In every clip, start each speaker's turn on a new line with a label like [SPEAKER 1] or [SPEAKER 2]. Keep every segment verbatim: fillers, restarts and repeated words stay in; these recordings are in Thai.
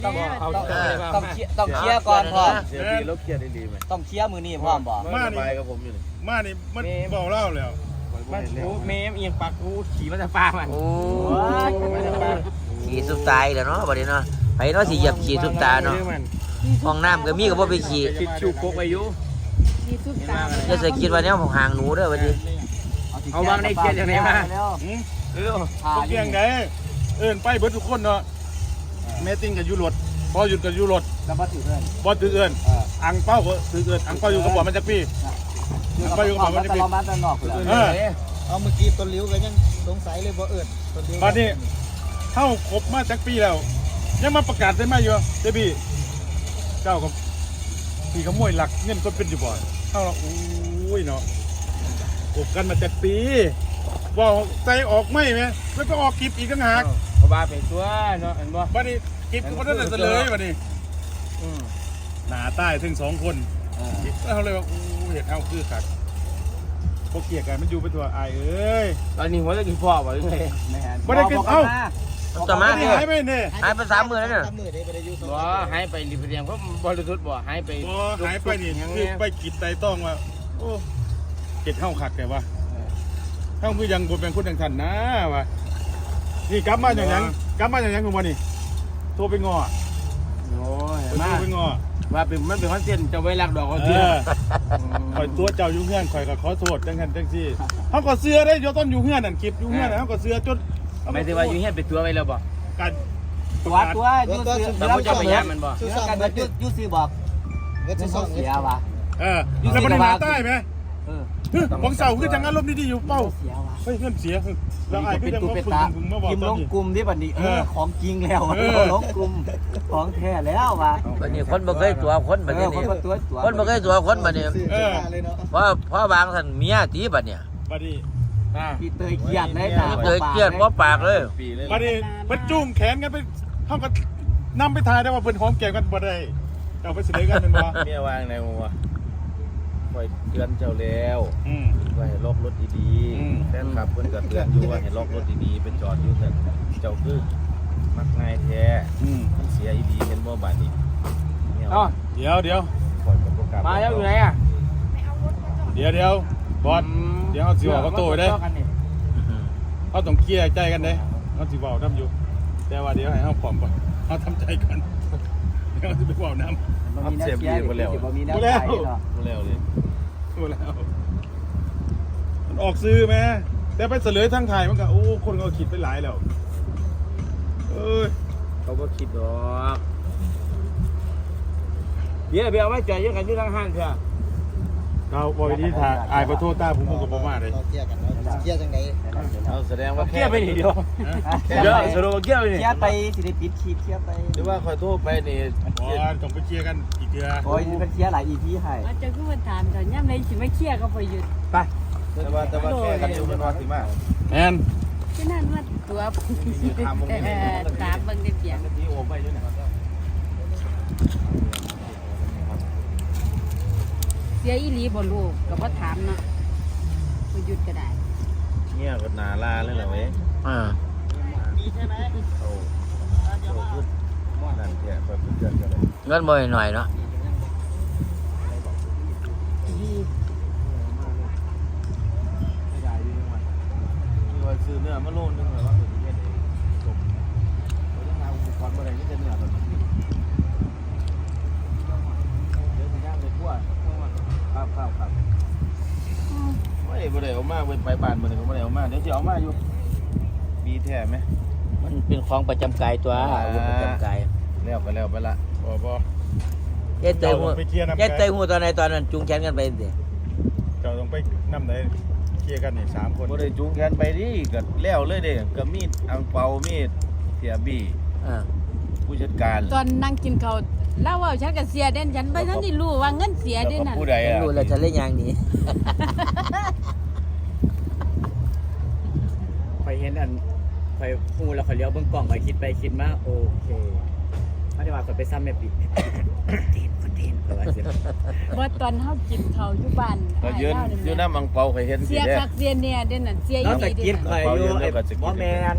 [SPEAKER 1] ต้องเอาต้องต้องเคลียร์ต้องเคลียร์ก่อนพร้อม
[SPEAKER 2] เสียดีลบเคลียร์ได้ดีไหม
[SPEAKER 1] ต้องเคลียร์มือนี่พร้อมบ่
[SPEAKER 2] มาไปกับผมอยู่นี่
[SPEAKER 3] มานี่มันเบาเล่าแล้ว
[SPEAKER 4] มันโอ้เมมเอียงปากกูขี่มาจากฟ้ามัน
[SPEAKER 5] โอ้ขี่สุดตายแล้วเนาะบัดนี้เนาะไปเนาะสิเหยียบขี่สุดตาเนาะห้องน้ำก็มีก็บ่ไปขี่
[SPEAKER 4] คิดชิวโคกอายุ
[SPEAKER 6] มีซุปตา
[SPEAKER 5] อย่าใส่คิดว่าแนวของห่างหนูเด้อบัดนี้
[SPEAKER 4] เอาวางในเกียร์อย่างไรมาเออ
[SPEAKER 3] เกียงไงเอิ้นไปเบิดทุกคนเนาะแม่ติ้งกับยูรถพอหยุดกับยูรถ
[SPEAKER 1] แล้วบ่ถือเอิ้น
[SPEAKER 3] บอถือเอิ้นอังเป้าก็ถือเอิ้นอังเป้าอยู่กับบ่มันจักปีอังเป้าอยู่กับบ่มันจักปี
[SPEAKER 1] เรามาตะนอกเลย
[SPEAKER 3] เออ
[SPEAKER 7] เอาเมื่อกี้ต้นลิ้วก็ยังสงสัยเลยบ่เอิดต้นลิ้ว
[SPEAKER 3] บัดนี้เท่าครบมาจักปีแล้วยังมาประกาศได้ไหมอยู่เดบี้เจ้ากับพี่ขโมยหลักเงินก็เป็นอยู่บ่เท่าเราโอ้ยเนาะคบกันมาจักปีบอกใจออกไม่ไหมแล้วก็ออกคลิปอีกต่างหาก
[SPEAKER 4] เขาบ้าไปตัวเนาะเห็นบ่
[SPEAKER 3] บัดนี้คลิปก็บ่ได้เสลยบัดนี้หนาใต้ถึงสองคนแล้วเขาเลยว่าอู้เห็ดเท่าคือคักพวกเกียร์กันมันอยู่เป็นตัวอายเอ้ย
[SPEAKER 4] ตอนนี้หัวจะกินพ่อบ่ยังไง
[SPEAKER 3] บ่ได้กินเอ้า
[SPEAKER 5] ต่อมา
[SPEAKER 3] ไม่
[SPEAKER 5] เนี่
[SPEAKER 3] ได้
[SPEAKER 5] ย
[SPEAKER 3] หายไปเนี่ย
[SPEAKER 5] หายไปสามมื้อแล้วเนี่ย
[SPEAKER 7] ทำมือได้ไปได้อยู่สอง
[SPEAKER 4] บ่หายไปรีบเรียงเพราะบริสุทธิ์บ่หายไป
[SPEAKER 3] บ่หายไปนี่คือไปกินไตต้องว่าโอ้เก็ดเท่าคักแต่ว่าเท่าคือยังบ่เป็นคนจังทันนะว่านี่กลับมาอย่างยังกลับมาอย่างยังของบ่นี่โทรไปง้อ
[SPEAKER 4] โอ้ย
[SPEAKER 3] โทร
[SPEAKER 4] มา
[SPEAKER 3] ไปง้อ
[SPEAKER 4] ว่าเป็นมันเป็นคอนเทนต์จะไว้รักดอกก็
[SPEAKER 3] เอ
[SPEAKER 4] เชื่อ
[SPEAKER 3] อข่อยตัวเจ้าอยู่เฮือนข่อยก็ขอโทษจังซั่นจังซี่เฮาก็เสื้อได้อยู่ต้นอยู่เฮือนนั่นคลิปอยู่เฮือนเฮาก็เสื้อจน
[SPEAKER 4] ไม่ได้ว่าอยู่เฮียนเป็นตัวไว้แล้วบ่
[SPEAKER 3] การ
[SPEAKER 1] ตัวตัวยูซื้อ
[SPEAKER 4] แต่ผมจะไปย่างมันบ่
[SPEAKER 1] เรื่องการยูยูซื้อบอก
[SPEAKER 7] เงิน
[SPEAKER 1] เงิน
[SPEAKER 7] สอง
[SPEAKER 1] เสียว่ะ
[SPEAKER 3] เออแล้วมันหาใต้ไหม
[SPEAKER 1] เออ
[SPEAKER 3] ของเสาคือจังอารมณ์ดีๆอยู่เป้า
[SPEAKER 1] เสียว่ะ
[SPEAKER 3] เฮ้ยเพื่อนเสียแล้วไอ้คือจังว่าฝึกฝึกมาบอก
[SPEAKER 1] พิมพ์
[SPEAKER 3] ต
[SPEAKER 1] ล
[SPEAKER 3] อน
[SPEAKER 1] ง
[SPEAKER 3] นี้
[SPEAKER 1] กลุ่มที่บัดนี้เออของจริงแล้วลงกลุ่มของแท้แล้วว่ะ
[SPEAKER 5] บัดนี้คนบ่เคยตัวคนบัดนี้
[SPEAKER 1] คนบ่ตัวตัว
[SPEAKER 5] คนบ่เคยตัวคนบัดนี้
[SPEAKER 7] ซื้อเสื้อผ้าเลยเนาะ
[SPEAKER 5] เพราะเพราะบางท่านเมียตีบัดเนี่ย
[SPEAKER 3] บัดนี้
[SPEAKER 4] อ่า
[SPEAKER 1] พี่เตยเกียดเลยนะ
[SPEAKER 5] เจอเกลียดบ่ปากเลย
[SPEAKER 2] ปีเลย
[SPEAKER 3] บัดนี้มันจุ้งแขนกันไปเท่ากับนำไปทายได้ว่าเพิ่นหอมแก้มกันบ่ได้เอาไปเสนอกันเป็นบ่
[SPEAKER 2] เมียวางในหัวคอยเตือนเจ้าแล้ว
[SPEAKER 3] อืม
[SPEAKER 2] ว่าให้ล็อกรถดี
[SPEAKER 3] อืม
[SPEAKER 2] ๆแฟนคลับเพิ่นก็เตือนอยู่ว่าให้ล็อกรถดีๆเป็นจอดอยู่แต่เจ้าคือมักง่ายแท้
[SPEAKER 3] อืม
[SPEAKER 2] มันเสียอีดีเห็นบ่บาดนี้เนี่ย
[SPEAKER 4] อ๋อ
[SPEAKER 3] เดี๋ยวเดี๋ยว
[SPEAKER 2] ปล่อยกับโปรแกรม
[SPEAKER 4] มาแล้วอยู่ไหนอ่ะ
[SPEAKER 3] เดี๋ยวเดี๋ยวบอสเดี๋ยวเอาสิบอกเขาโตไปได้เขาต้องเคลียร์ใจกันเด้เขาสิเว้านำอยู่ แต่ว่าเดี๋ยวให้เฮาพร้อมก่อนเฮาทำใจก่อนเดี๋ยวสิไปเว้านำ
[SPEAKER 1] บ่มีแนวเสียบ่มีแนวใจเนาะ
[SPEAKER 2] รู้แล้วเลย
[SPEAKER 3] รู้แล้วมันออกซื้อไหมแต่ไปเสลยทั้งไทยมันก็โอ้คนก็คิดไปหลายแล้วเอ้ย
[SPEAKER 4] เขาบ่คิดดอกเดี๋ยวเดี๋ยวเอาไว้จ่ายยังกันอยู่ทางห้างเถอะ
[SPEAKER 3] เราบอยนี้ถ่ายอายประโทษตาผมผมกับผมมาเลย
[SPEAKER 7] เราเกี่ยกันเนาะเกี่ยจังได
[SPEAKER 2] เอาแสดงว่า
[SPEAKER 4] เกี้ยไปนี่เดียว
[SPEAKER 2] แค่
[SPEAKER 4] เดี๋ยวสรุปว่าเกี้ยไปนี่
[SPEAKER 1] เคลียร์ไปสิได้ปิดคลิปเคลียร์ไป
[SPEAKER 2] หรือว่าคอยโทรไปนี่
[SPEAKER 3] บอสต้องไปเคลียร์กันอีกเดือ
[SPEAKER 1] โอ้ยเป็นเคลียร์หลาย อี พี ให้
[SPEAKER 6] ว่าจะคือมันถามตอนย่ำในสิไม่เครียดก็พอหยุด
[SPEAKER 1] ไป
[SPEAKER 2] แต่ว่าแต่ว่าแค่กันอยู่มันว่าสิมา
[SPEAKER 3] แอน
[SPEAKER 6] ที่นั่นว่าตัวตามเบิ่งได้เปียง
[SPEAKER 2] ที่โอไปอยู่เนี่ย
[SPEAKER 6] เสียอีหลีบ่ลูกก็บ่ถามเนาะพอหยุดก็ได้
[SPEAKER 2] เงี้ยก็นาลาเลยเหรอเว้ย
[SPEAKER 5] อ่า
[SPEAKER 2] โอ้โหพูดนั่นแค่คอยพูดเตือนกันเลย
[SPEAKER 5] เงินบ่หน่อยเนาะ
[SPEAKER 2] มีว่าซื้อเนื้อมาโลนึงเหรอว่าเป็นเงี้ยเลยจบเราต้องหาอุปกรณ์อะไรที่จะเนื้อแบบนี้เดี๋ยวจะย่างเลยกล้วยครับครับครับไม่ได้ไม่ได้เอามาเป็นไปบ้านมันก็ไม่ได้เอามาเดี๋ยวจะเอามาอยู่มีแท้ไหม
[SPEAKER 5] มันเป็นของประจำกายตัวอาวุธประจำกาย
[SPEAKER 2] แล้วไปแล้วไปละ
[SPEAKER 3] บอบอ
[SPEAKER 5] เย็ดเตยหู
[SPEAKER 3] ไปเคลียร์น้ำ
[SPEAKER 5] เย็ดเตยหูตอนไหนตอนนั้นจุงแขนกันไปสิ
[SPEAKER 3] เราต้องไปน้ำไหนเคลียร์กันนี่สามคน
[SPEAKER 2] บ่ได้จูงแขนไปดิก็แล้วเลยเด้ก็มีดอังเปามีดเสียบี้
[SPEAKER 5] อ่า
[SPEAKER 2] ผู้จัดการ
[SPEAKER 6] ตอนนั่งกินข้าวเล่าว่าฉันก็เสียเด่นฉันไปทั้งที่รู้ว่าเงินเสีย
[SPEAKER 2] แล้ว
[SPEAKER 6] เด่น
[SPEAKER 2] ก็
[SPEAKER 6] นั่น
[SPEAKER 2] ผู้ใดอ่ะ
[SPEAKER 5] รู้แล้วจะเล่นยังนี้
[SPEAKER 1] ไปเห็นอันไปฮู้แล้วเขาเลี้ยวเบิ่งกล้องไปคิดไปคิดมาโอเคไม่ได้ว่าเขาไปซ้ำแม่ปิดคอนเทนต์คอนเทนต์ก็ว่าสิ
[SPEAKER 6] บ่ตอนเฮากินข้าวอยู่บ้าน
[SPEAKER 2] ก็ยืนอยู่น้ำอังเปาเคยเห็นสิ
[SPEAKER 6] เสีย
[SPEAKER 2] เด้
[SPEAKER 6] คักเสียเนี่ยเด่นนั่นเสียอี
[SPEAKER 1] เรา
[SPEAKER 6] ห
[SPEAKER 1] ตะ
[SPEAKER 6] ลี
[SPEAKER 1] กิ
[SPEAKER 6] เด่
[SPEAKER 1] น
[SPEAKER 6] น
[SPEAKER 1] คอยอยู่ไอ้บ่แมน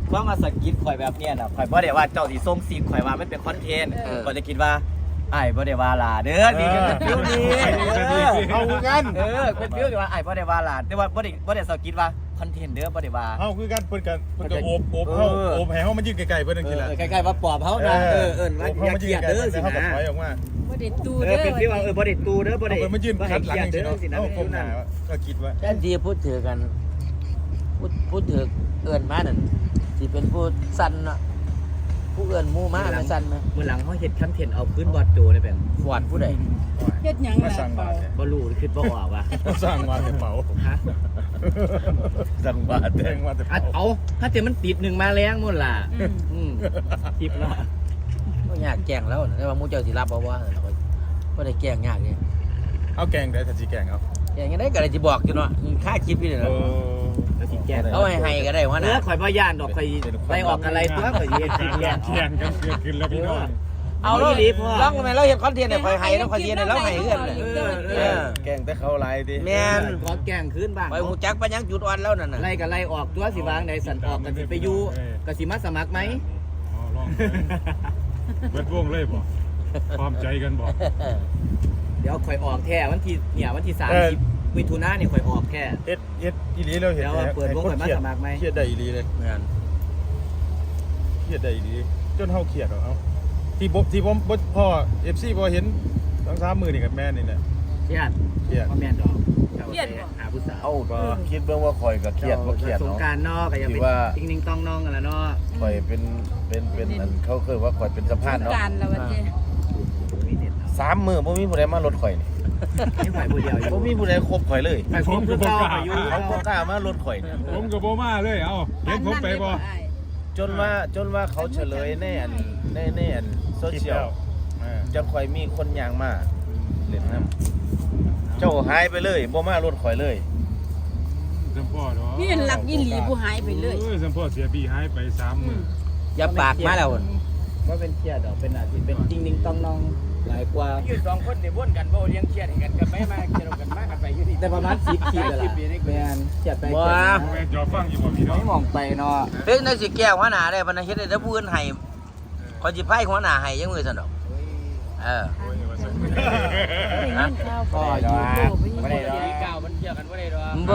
[SPEAKER 1] ความมาสกิดข่อยแบบเนี้ยน่ะข่อยบ่ได้ว่าเจ้าสิส่งซีนข่อยว่ามันเป็นคอนเทนต์ข่อยจะคิดว่าอ้ายบ่ได้ว่าล่ะเด้อนี่คือฟิวนี้
[SPEAKER 3] เอาคือกัน
[SPEAKER 1] เออเป็นฟิวที่ว่าอ้ายบ่ได้ว่าล่ะแต่ว่าบ่ได้บ่ได้สกิดว่าคอนเทนต์เด้อบ่ได้ว่า
[SPEAKER 3] เอาคือกันเพิ่นกันเพิ่นก็โอบโอบเฮาโอบให้เฮามันยืนไกลๆเพิ่นจัง
[SPEAKER 1] เอ
[SPEAKER 3] ซี่
[SPEAKER 1] อ
[SPEAKER 3] ล่ะ
[SPEAKER 1] ใกล้ๆว่าปอบเฮานะเออเอิ้นว่า
[SPEAKER 3] โอบ
[SPEAKER 1] อ
[SPEAKER 3] เฮา
[SPEAKER 1] ย่า
[SPEAKER 3] มัน
[SPEAKER 1] เก
[SPEAKER 3] ยื
[SPEAKER 1] ลี
[SPEAKER 3] น
[SPEAKER 1] ยด
[SPEAKER 3] ไกล
[SPEAKER 1] เด้อ
[SPEAKER 3] แต่
[SPEAKER 1] สิ
[SPEAKER 3] เฮาก็
[SPEAKER 1] นะ
[SPEAKER 3] ถอยออกมา
[SPEAKER 6] บ่ได้ตู
[SPEAKER 1] เอ
[SPEAKER 6] เด้
[SPEAKER 1] อ
[SPEAKER 6] อ
[SPEAKER 1] เป็นฟิวว่าเออบ่ได้ตูเด้อบ่ได้
[SPEAKER 3] เพิ่นมายืน
[SPEAKER 1] บ่ให้
[SPEAKER 3] ขัดหลัง
[SPEAKER 1] เกลียด
[SPEAKER 3] จังซี่
[SPEAKER 1] เด้อ
[SPEAKER 3] เนาะ
[SPEAKER 1] สินะ
[SPEAKER 3] เอ้าผม
[SPEAKER 1] ฟิว
[SPEAKER 3] ห
[SPEAKER 1] นั้
[SPEAKER 3] น้าน ก็คิดว่า
[SPEAKER 5] แทนที่พูดถือกันพูดพูดถือเอื่นมานั่นสิเป็นผู้สั้นเนาะผู้เอื่นหมู่มาไม่สั้นไหม
[SPEAKER 1] มื้อหลังเฮาเฮ็ดคอนเทนต์เอาพื้นบอดโจได้แบบ
[SPEAKER 5] ฟอดผู้ใด
[SPEAKER 6] เฮ็ดหยัง
[SPEAKER 3] มา
[SPEAKER 6] ล่ะ
[SPEAKER 3] สร้าง
[SPEAKER 6] เป
[SPEAKER 3] บา
[SPEAKER 6] ล่า
[SPEAKER 3] ทเนี่ย
[SPEAKER 1] บ่รู้คิดบ่ออกว่ะ
[SPEAKER 3] มาสร้างบาทในเป๋า
[SPEAKER 1] ฮะ
[SPEAKER 3] สร้างบาทแทงมาแต่
[SPEAKER 1] อัด
[SPEAKER 3] เป๋า
[SPEAKER 1] เอาถ้าเจมันติดหนึ่งมาแรงหมดล่ะ
[SPEAKER 6] อืม
[SPEAKER 1] อืมคลิปเนาะ
[SPEAKER 5] ก็ยากแกล้งแล้วนะแต่ว่าหมู่เจ้าสิรับบ่ว่าเราก็บ่ได้แกล้งยากเลย
[SPEAKER 3] เอาแกงได้ถ้าสิแกงเอา
[SPEAKER 5] แกล้งยังได้ก็ได้สิบอกอยู่เนาะค่าคลิปนี่
[SPEAKER 3] เอ
[SPEAKER 5] เนาะ
[SPEAKER 3] อ
[SPEAKER 1] แล้วสิแกล้ง
[SPEAKER 5] เอาให้ให้ก็ได้ว่า
[SPEAKER 1] เอ
[SPEAKER 5] นะ
[SPEAKER 1] อข่อยบ่ย่านดอกข่อยไปออกอะไรตัวข่อยสิเฮ็ดคลิปแกล้ง
[SPEAKER 3] เที่ยงกันเกิดขึ้นแล้วพี่น้อง
[SPEAKER 5] เอาเราลองแม่เราเฮ็ดคอนเทนต์ให้ข่อยให้แล้วข่อยสิให้เราให้เอื้อนเลย
[SPEAKER 1] เออเอ
[SPEAKER 5] เอ
[SPEAKER 1] อ
[SPEAKER 5] อ
[SPEAKER 2] แกงแต่เขาหลายดิ
[SPEAKER 5] แม่น
[SPEAKER 1] ขอแกล้งคืนบ้าง
[SPEAKER 5] ข่อยฮู้จักปะยังจุดอ่อนแล้วนั่นน่ะ
[SPEAKER 1] ไล่ก็ไล่ออกตัวสิวางในสันออกก็สิไปอยู่ก็สิมาสมัครไหม
[SPEAKER 3] อ๋อลองเบิดวงเลยบ่ความใจกันบ่
[SPEAKER 1] เดี๋ยวข่อยออกแท้วันที่เนี่ยวันที่สามสิบมิถุนายนเนี่ยข่อยออกแค่
[SPEAKER 3] เฮ็ดเฮ็ดอีหลีเราเห็น
[SPEAKER 1] เดี๋ยวว่าเปิดวงข่อยมาสมัครไหม
[SPEAKER 3] เครียดได้อีหลีเลย
[SPEAKER 5] แม่น
[SPEAKER 3] เครียดได้อีหลีจนเฮาเครียดเอาเอาที่ผมที่ผมบ่พ่อ เอฟ ซี บ่เห็นสองสามมื้อนี่กับแม่นี่แหละ
[SPEAKER 1] เครียด
[SPEAKER 3] เครียด
[SPEAKER 1] บ่แม่นดอกหาผู้สาว
[SPEAKER 2] เอ้าก็คิดเบิ่งว่าข่อยก็เครียดบ่เครียด
[SPEAKER 1] สง
[SPEAKER 2] เนาะ
[SPEAKER 1] กรารนอกก็ยังเป็น
[SPEAKER 2] ที่ว่า
[SPEAKER 1] ติ๊งนิ่งต้องน้องกันละเนาะ
[SPEAKER 2] ข่อยเป็นเป็นเป็นอันเขาเคยว่าข่อยเป็นสะพานเนาะ
[SPEAKER 6] การแล้วว่าเจ้
[SPEAKER 1] มีเน็ตเอา
[SPEAKER 2] สามมื้อบ่มีผู้ใดมารถข่อยนี่
[SPEAKER 1] ไม่ไหวผู้เดียวอยู่
[SPEAKER 2] บ่มีผู้ใดคบข่อยเลย
[SPEAKER 1] ไปพบคือเก่าไปอยู่
[SPEAKER 2] เขาบ่กล้ามารถข่อยนี่
[SPEAKER 3] ผมก็บ่มาเลยเอ้าเห็นผมไปบ่
[SPEAKER 2] จนว่าจนว่าเขาเฉลยในอันในในอันโซเชียล
[SPEAKER 3] อ่า
[SPEAKER 2] จะข่อยมีคนยางมาเล่นน้ำเจ้าหายไปเลยบ่มารถข่อยเลย
[SPEAKER 3] สัมพ่อเนาะ
[SPEAKER 6] นี่หลักอีหลีผู้หายไปเลย
[SPEAKER 3] เอ้ยสัมพ่อเสียบีหายไปสามมื้อ
[SPEAKER 5] อย่าปากมาแล้ว
[SPEAKER 1] ว่าเป็นเครียดดอกเป็นอาทิตย์เป็นติ๊งนิ่งต้องน้องหลายกว่า
[SPEAKER 4] อยู่สองคนนี่วนกันบ่เลี้ยงเครียดให้กันกันไปมาเครียดกันมากันไปอยู่นี่
[SPEAKER 1] แต่ประมาณสิบคลิปเลยล่ะแม่นเครียดไป
[SPEAKER 5] บ่
[SPEAKER 1] เครียดมา
[SPEAKER 3] แม่จอฟังอยู่บ่พี่น้อง
[SPEAKER 1] ไม่มองไปเนาะ
[SPEAKER 5] เฮ้ยนายสิแก้หัวหน้าได้บ่นะเฮ็ดได้แต่ผู้อื่นให้ขอยสิไผหัวหน้าให้ยังมือซั่นดอกเออ
[SPEAKER 3] โอ้ยว่าซั่น
[SPEAKER 6] ได้ยินข่าว
[SPEAKER 1] พ่อ
[SPEAKER 6] อ
[SPEAKER 1] อยู่ ยู่
[SPEAKER 6] โลกไปยิน
[SPEAKER 1] ไม่ได้ดอก
[SPEAKER 4] ทีเก่ามันเกี่ยวกันบ่ได้ดอก
[SPEAKER 5] บู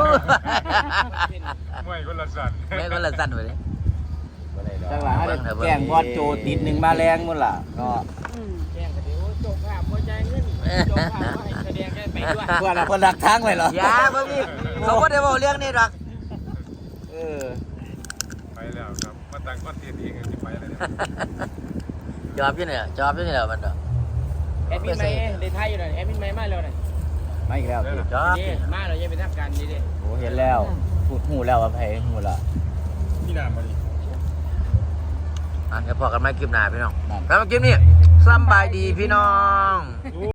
[SPEAKER 3] มวยคนละสัตว์
[SPEAKER 5] ไม่ก็ละสั้นไปเลย
[SPEAKER 1] จังหวะแกล้งบอดโจติดหนึ่งมาแรงหมดล่ะก็
[SPEAKER 6] อืม
[SPEAKER 4] แจ้งกันเดี๋ยวจบภาพบ่จ่ายเงินจบภาพบ่ให้แสดงได้ไปด้วย
[SPEAKER 1] เพื่อนอะเพื่อนรักทั้งเลยเหรอ
[SPEAKER 5] อย่าบ่มีเขาบ่ได้เว้าเรื่องนี้ดอก
[SPEAKER 1] เออ
[SPEAKER 3] ไปแล้วครับมาตั้งคอนเทนต์เองสิไปแล้วเนี่ย
[SPEAKER 5] จอบอยู่นี่ล่ะจอบอยู่นี่ล่ะมันดอก
[SPEAKER 4] แอดมินใหม่ได้ทายอยู่น่ะแอดมินใหม่มาแล้วน่ะ
[SPEAKER 1] ไม่อีกแล้วสิ
[SPEAKER 5] จอบ
[SPEAKER 4] นี่มาแล้วยังเป็นทางการนี่ดิ
[SPEAKER 1] โอ้เห็นแล้วพูดหูแล้วว่าไผหูละ
[SPEAKER 3] พี่น้ำมาดิ
[SPEAKER 5] อ่ะเดี๋ยวพอกันใหม่คลิปหน้าพี่น้องแล้วมาคลิปนี้สำบายดีพี่น้อง